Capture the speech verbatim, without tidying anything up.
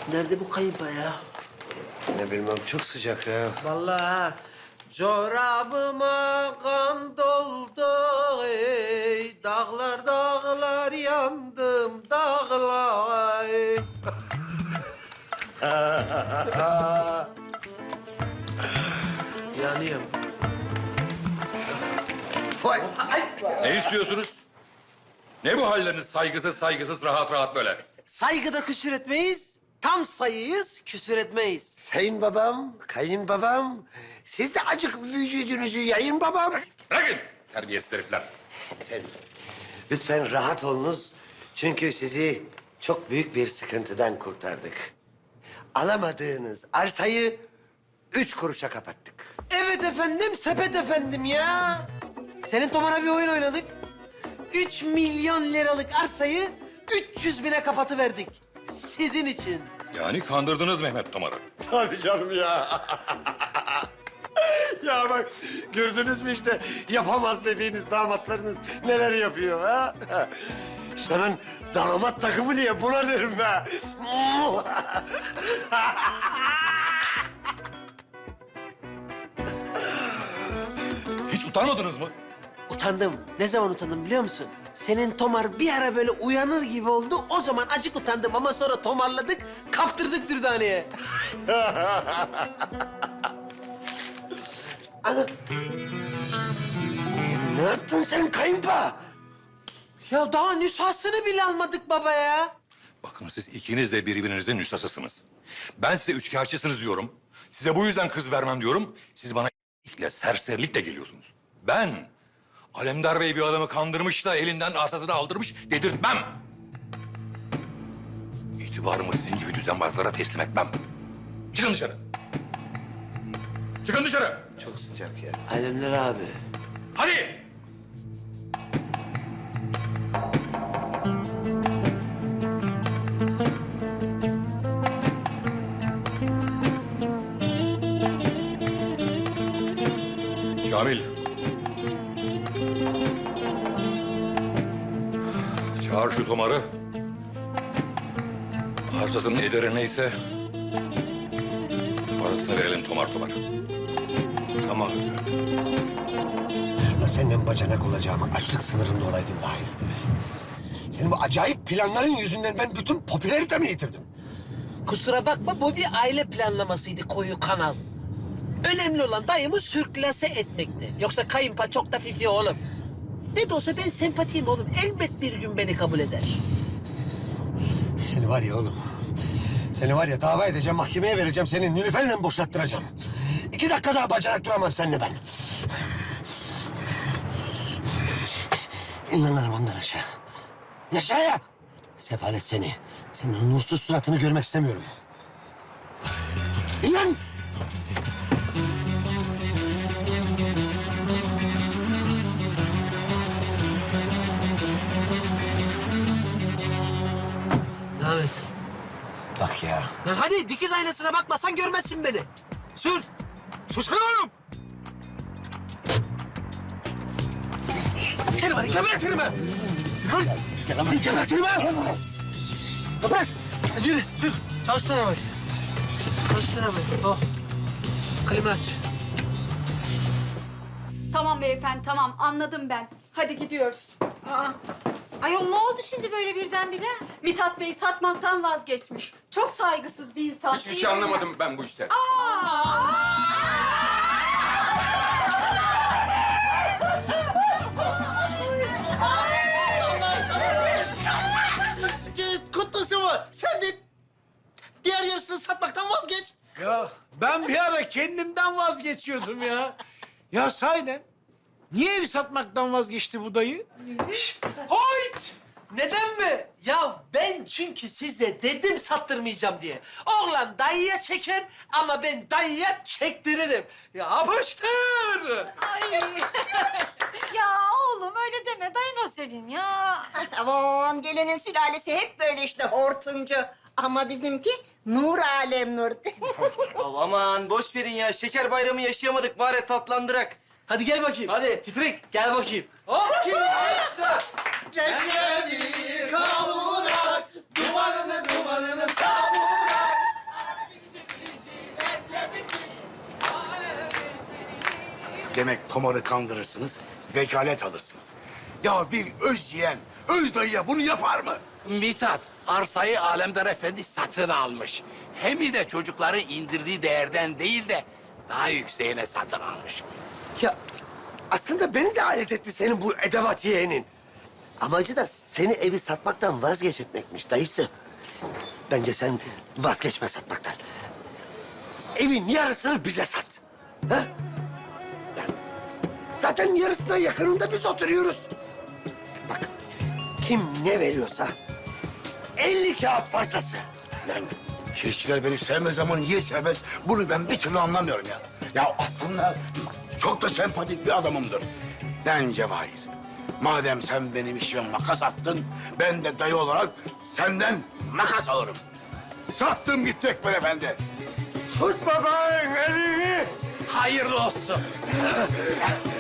Nerede bu kayınpa ya? Ne bilmem çok sıcak ya. Vallahi ha. Çorabıma kan doldu ey. Dağlar dağlar yandım dağlar ey. Yanıyorum. Vay. Ne istiyorsunuz? Ne bu halleriniz saygısız saygısız rahat rahat böyle? Saygıda küsür etmeyiz. Tam sayıyız, küsür etmeyiz. Sayın babam, kayınbabam. Siz de acık vücudunuzu yayın babam. Bırakın terbiyesiz herifler. Efendim, lütfen rahat olunuz. Çünkü sizi çok büyük bir sıkıntıdan kurtardık. Alamadığınız arsayı üç kuruşa kapattık. Evet efendim, sepet efendim ya. Senin Tomar'a bir oyun oynadık. Üç milyon liralık arsayı üç yüz bine kapatıverdik. Sizin için. Yani kandırdınız Mehmet Tomar'ı. Tabii canım ya. Ya bak gördünüz mü işte yapamaz dediğiniz damatlarınız neler yapıyor ha? İşte ben damat takımı diye buna derim be. Hiç utanmadınız mı? Utandım. Ne zaman utandım biliyor musun? Senin Tomar bir ara böyle uyanır gibi oldu. O zaman acık utandım ama sonra tomarladık, kaptırdık Dürdane'ye. Ana. Ne yaptın sen kayınpa? Ya daha nüshasını bile almadık baba ya. Bakın siz ikiniz de birbirinizin nüshasısınız. Ben size üçkağıtçısınız diyorum. Size bu yüzden kız vermem diyorum. Siz bana iyilikle, serserilikle geliyorsunuz. Ben Alemdar Bey bir adamı kandırmış da elinden arsasını aldırmış dedirtmem. İtibarımı sizin gibi düzenbazlara teslim etmem. Çıkın dışarı. Çıkın dışarı. Çok sıcak ya. Alemler abi. Hadi. Şamil. Çağır şu Tomar'ı. Arsasının ederi neyse parasını verelim Tomar Tomar. Tamam. Ya senden bacanak olacağıma açlık sınırında olaydım daha iyiydi. Senin bu acayip planların yüzünden ben bütün popülaritemi yitirdim. Kusura bakma bu bir aile planlamasıydı koyu kanal. Önemli olan dayımı sürklase etmekti. Yoksa kayınpa çok da fifi oğlum. Ne de olsa ben sempatiyim oğlum. Elbet bir gün beni kabul eder. Seni var ya oğlum. Seni var ya dava edeceğim, mahkemeye vereceğim. Seni Nilüfer'le boşalttıracağım. İki dakika daha bacanak duramam seninle ben. İn lan arabamdan aşağı. Aşağıya. Sefalet seni. Senin o nursuz suratını görmek istemiyorum. İn lan. Devam et. Bak ya. Lan hadi dikiz aynasına bakmasan görmezsin beni. Sür. Sürsene oğlum. Seni var ya gebertirim ben. Seni var ya gebertirim ben. Toprak. Hadi yürü sür. Çalıştır arabayı. Çalıştır arabayı. Oh. Klima aç. Tamam beyefendi, tamam. Anladım ben. Hadi gidiyoruz. Aa, ayol ne oldu şimdi böyle birdenbire? Mithat Bey satmaktan vazgeçmiş. Çok saygısız bir insan. Hiçbir şey anlamadım ben bu işten. Kutlusu mu? Sen de diğer yarısını satmaktan vazgeç. Ya ben bir ara kendimden vazgeçiyordum ya. Ya sahiden niye evi satmaktan vazgeçti bu dayı? Hoyt! Neden mi? Ya ben çünkü size dedim sattırmayacağım diye. Oğlan dayıya çeker ama ben dayıya çektiririm. Yapıştır! Ay. Ya oğlum öyle deme dayın o senin ya. Aman gelinin sülalesi hep böyle işte hortumcu. Ama bizimki nur alem nur. Aman boş verin ya. Şeker bayramı yaşayamadık. Bari tatlandırak. Hadi gel bakayım. Hadi. Titrek gel bakayım. Hop kim işte. Geceleri kavurak, dumanını dumanını savurak. Demek Tomar'ı kandırırsınız, vekalet alırsınız. Ya bir öz yeğen, öz dayıya bunu yapar mı? Mithat, arsayı Alemdar Efendi satın almış. Hem de çocukları indirdiği değerden değil de daha yükseğine satın almış. Ya aslında beni de alet etti senin bu edevat yeğenin. Amacı da seni evi satmaktan vazgeçirtmekmiş dayısı. Bence sen vazgeçme satmaktan. Evin yarısını bize sat. Ha? Yani zaten yarısına yakınında biz oturuyoruz. Bak kim ne veriyorsa elli kağıt fazlası. Lan çiftçiler beni sevmez ama niye sevmez? Bunu ben bir türlü anlamıyorum ya. Ya aslında çok da sempatik bir adamımdır. Ben Cevahir. Madem sen benim işime makas attın, ben de dayı olarak senden makas alırım. Sattım gitti Ekber Efendi. Tut babanın elini. Hayırlı olsun.